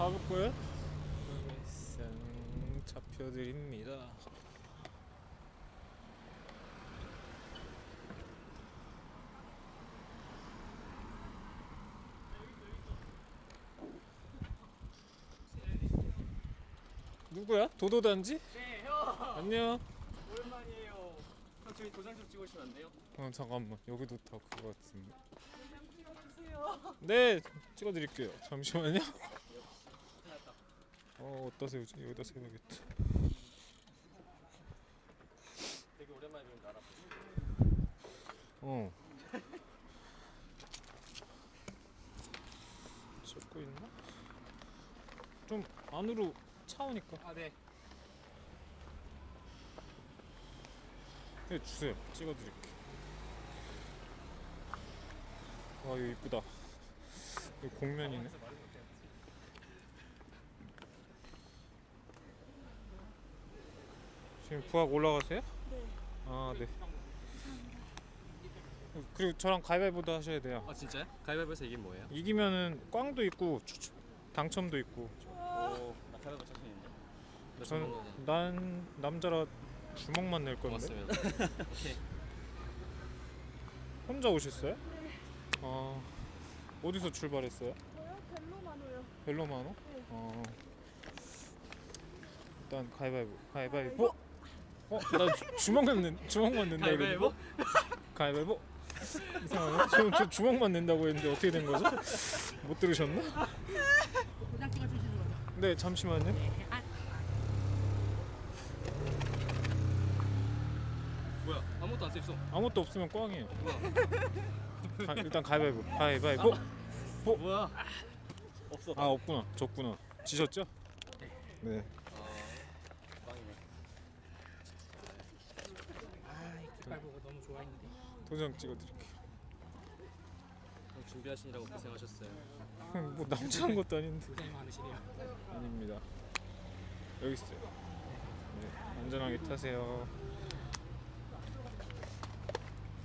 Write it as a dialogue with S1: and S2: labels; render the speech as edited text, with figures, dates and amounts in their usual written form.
S1: 가급고요? 쌍 잡혀드립니다. 누구야? 도도단지?
S2: 네, 형.
S1: 안녕.
S2: 오랜만이에요. 형 저희 도장 좀 찍으시면 안 돼요?
S1: 잠깐만, 여기도 다 그거 같은데.
S2: 도장 찍어주세요.
S1: 네, 찍어드릴게요. 잠시만요.
S2: 끝났다.
S1: 어디다 세우지? 여기다 세워야겠다.
S2: 되게 오랜만에 뵙는 알아.
S1: 찍고 있나? 좀 안으로 차오니까.
S2: 아 네.
S1: 네, 주세요. 찍어드릴게. 와, 이거 이쁘다. 이거 공면이네. 지금 부학 올라가세요?
S3: 네.
S1: 아, 네. 그리고 저랑 가위바위보도 하셔야 돼요.
S2: 아 진짜요? 가위바위보에서 이게 뭐예요?
S1: 이기면은 꽝도 있고 당첨도 있고.
S2: 오, 나 가위바위보 자신 있는데.
S1: 저는 난 남자라 주먹만 낼 건데.
S2: 고맙습니다. 오케이.
S1: 혼자 오셨어요? 아, 어디서 출발했어요?
S3: 저요? 벨로마노요.
S1: 벨로마노?
S3: 네.
S1: 일단 가위바위보. 나 주먹만 낸다
S2: 가위바위보?
S1: 가위바위보. 이상하네. 저 주먹만 낸다고 했는데 어떻게 된 거죠? 못 들으셨나?
S3: 도장 찍어주시는 거죠?
S1: 네, 잠시만요.
S2: 뭐야? 아무것도 안 써있어.
S1: 아무것도 없으면 꽝이에요.
S2: 뭐야?
S1: 일단 가위바위보.
S2: 뭐야? 없어.
S1: 아, 없구나. 졌구나. 지셨죠? 네.
S2: 빵이네.
S3: 깃발보고 너무 좋아했는데.
S1: 도장 찍어드릴게요.
S2: 형 준비하시느라고 고생하셨어요.
S1: 뭐 남자한 것도 아닌데.
S3: 고생 많으시네요.
S1: 아닙니다. 여기 있어요. 네, 안전하게 타세요.